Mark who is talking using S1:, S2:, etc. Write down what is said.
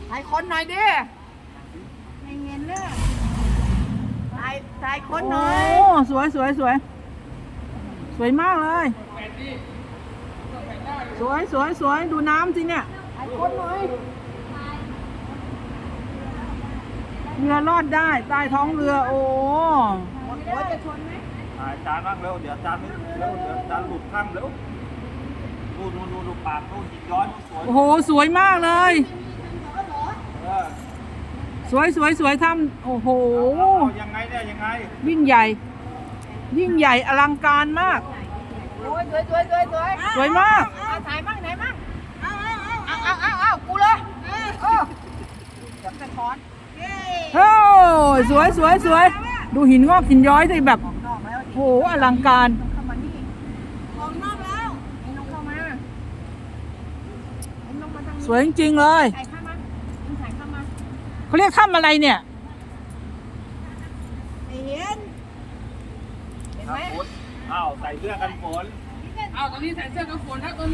S1: ถ่ายคนหน่อยดิไม่เห็นเลยถ่ายคนหน่อย
S2: โอ้สวยสวยสวยสวยมากเลยสวยสวยสวยดูน้ำสิเนี่ย
S1: ถ่ายคนหน่อย
S2: เรือรอดได้ใต้ท้องเรือโอ้
S1: หัวจะชนไหม
S3: จานนั่งเร็วเดี๋ยวจานเร็วเดี๋ยวจานหลุดข้างเร็วดูปากดูหินย้อยสวย
S2: โอ้โหสวยมากเลยสวยสวยสวยทำโอ้โห
S3: ยังไงเนี่ยยังไง
S2: ยิ่งใหญ่ยิ่งใหญ่อลังการมาก
S1: โอ้ยสวยสวยสวยสวย
S2: สวยมาก
S1: ถ่ายมั่งไหนมั่งเอากูเลยจับไปคอน
S2: โอ้สวยสวยสวยดูหินงอกหินย้อยสิแบบโอ้โหอลังการ
S1: เข้ามานี่ออกนอกแล้วไอ้น้องเข้ามา
S2: สวยจริงๆเลย
S1: ถ่ายเข้ามา
S2: เขาเรียกถ้ำอะไรเนี่ย
S1: เห็นไหม
S3: อ้าวใส่เสื้อกันฝน
S4: อ้าวตอนนี้ใส่เสื้อกันฝนนะ